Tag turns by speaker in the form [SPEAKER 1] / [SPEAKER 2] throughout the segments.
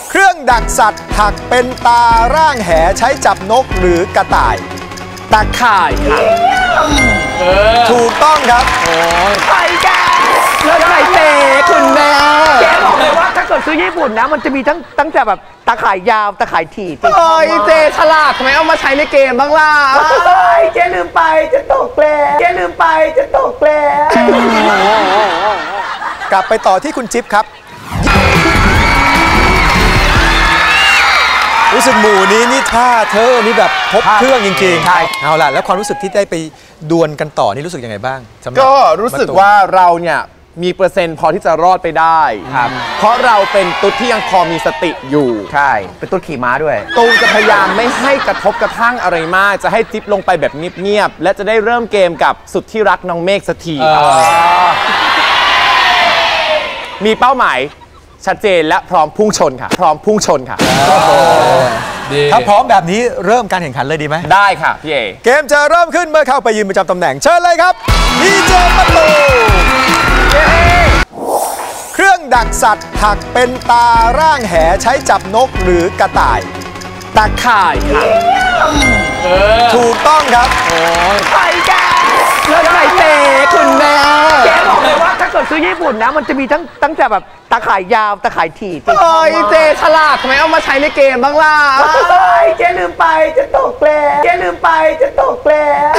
[SPEAKER 1] เครื่องดักสัตว์ถักเป็นตาร่างแหใช้จับนกหรือกระต่าย
[SPEAKER 2] ตาข่ายค่ะ
[SPEAKER 1] ถูกต้องครับ
[SPEAKER 3] ไข่แก
[SPEAKER 2] แล้วไข่เต๋คุณแม่
[SPEAKER 3] แกบอกเลยว่าถ้าเกิดซื้อญี่ปุ่นนะมันจะมีตั้งแต่แบบตาข่ายยาวตาข่ายถี่
[SPEAKER 2] เจฉลาดทำไมเอามาใช้ในเกมบ้างล่ะ
[SPEAKER 3] เจลืมไปจะตกแล้วเจลืมไปจะตกแล้ว
[SPEAKER 1] กลับไปต่อที่คุณจิ๊บครับรู้สึกหมู่นี้นี่ท่าเธอนี่แบบพบเครื่องจริงๆเอาล่ะแล้วความรู้สึกที่ได้ไปดวลกันต่อนี่รู้สึกยังไงบ้าง
[SPEAKER 2] ก็รู้สึกว่าเราเนี่ยมีเปอร์เซ็นต์พอที่จะรอดไปได้ครับเพราะเราเป็นตุ๊ดที่ยังพอมีสติอยู่
[SPEAKER 3] ใช่เป็นตุ๊ดขี่ม้าด้วย
[SPEAKER 2] ตูมจะพยายามไม่ให้กระทบกระทั่งอะไรมากจะให้จิ๊บลงไปแบบเงียบๆและจะได้เริ่มเกมกับสุดที่รักน้องเมฆสักทีมีเป้าหมายชัดเจนและพร้อมพุ่งชนค่ะพร้อมพุ่งชนค่ะ
[SPEAKER 1] ถ้าพร้อมแบบนี้เริ่มการแข่งขันเลยดีไหม
[SPEAKER 2] ได้ค่ะพี่เอ
[SPEAKER 1] เกมจะเริ่มขึ้นเมื่อเข้าไปยืนประจำตำแหน่งเชิญเลยครับดีเจประตูเครื่องดักสัตว์ถักเป็นตาร่างแหใช้จับนกหรือกระต่าย
[SPEAKER 2] ตาข่ายค่ะ
[SPEAKER 1] ถูกต้องครับ
[SPEAKER 3] ไข่แก
[SPEAKER 2] แล้วไข่เต๋คุณแม่
[SPEAKER 3] แกบอกเลยว่าถ้าเกิดซื้อญี่ปุ่นนะมันจะมีตั้งแต่แบบตาข่ายยาวตาข่ายถี่
[SPEAKER 2] เจฉลาดทำไมเอามาใช้ในเกมบ้างล่ะ
[SPEAKER 3] เจลืมไปจะตกแล้วเจลืมไปจะตกแล้ว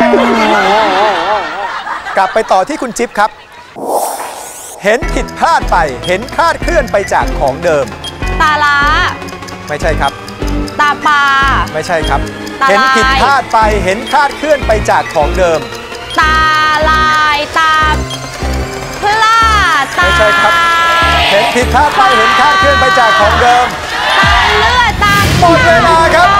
[SPEAKER 1] กลับไปต่อที่คุณจิ๊บครับเห็นผิดพลาดไปเห็นคลาดเคลื่อนไปจากของเดิม
[SPEAKER 4] ตาล้า
[SPEAKER 1] ไม่ใช่ครับ
[SPEAKER 4] ตาปลา
[SPEAKER 1] ไม่ใช่ครับเห็นผิดพลาดไปเห็นคลาดเคลื่อนไปจากของเดิม
[SPEAKER 4] ตาลายตาพลาดตา
[SPEAKER 1] ไม่ใช่ครับเห็นผิดพลาดไปเห็นคลาดเคลื่อนไปจากของเดิม
[SPEAKER 4] ตาเลือดตา
[SPEAKER 1] หมดเวลาครับ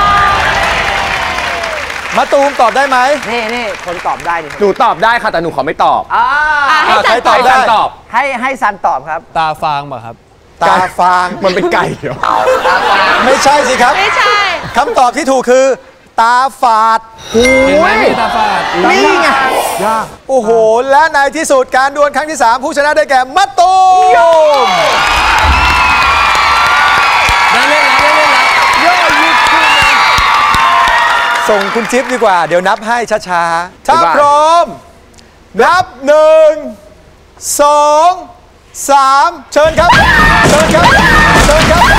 [SPEAKER 1] มะตูมตอบได้ไหม
[SPEAKER 3] นี่คนตอบได้ดิ
[SPEAKER 2] หนูตอบได้ค่ะแต่หนูขอไม่ตอบ
[SPEAKER 4] ให้ซัน
[SPEAKER 2] ตอบ
[SPEAKER 3] ให้ซันตอบครับ
[SPEAKER 5] ตาฟางป่ะครับ
[SPEAKER 1] ตาฟาง
[SPEAKER 2] มันเป็นไก่เหรอ
[SPEAKER 1] ไม่ใช่สิครับ
[SPEAKER 4] ไม่ใช่
[SPEAKER 1] คำตอบที่ถูกคือตาฝาด
[SPEAKER 5] ตาฝาด
[SPEAKER 1] นี่ไงยากโอ้โหและในที่สุดการดวลครั้งที่3ผู้ชนะได้แก่มะตูม
[SPEAKER 5] ได้เล่นแล้ว
[SPEAKER 1] ย่อยุดขึ้นส่งคุณจิ๊บดีกว่าเดี๋ยวนับให้ช้าๆถ้าพร้อมนับ1 2 3เชิญครับเชิญครับ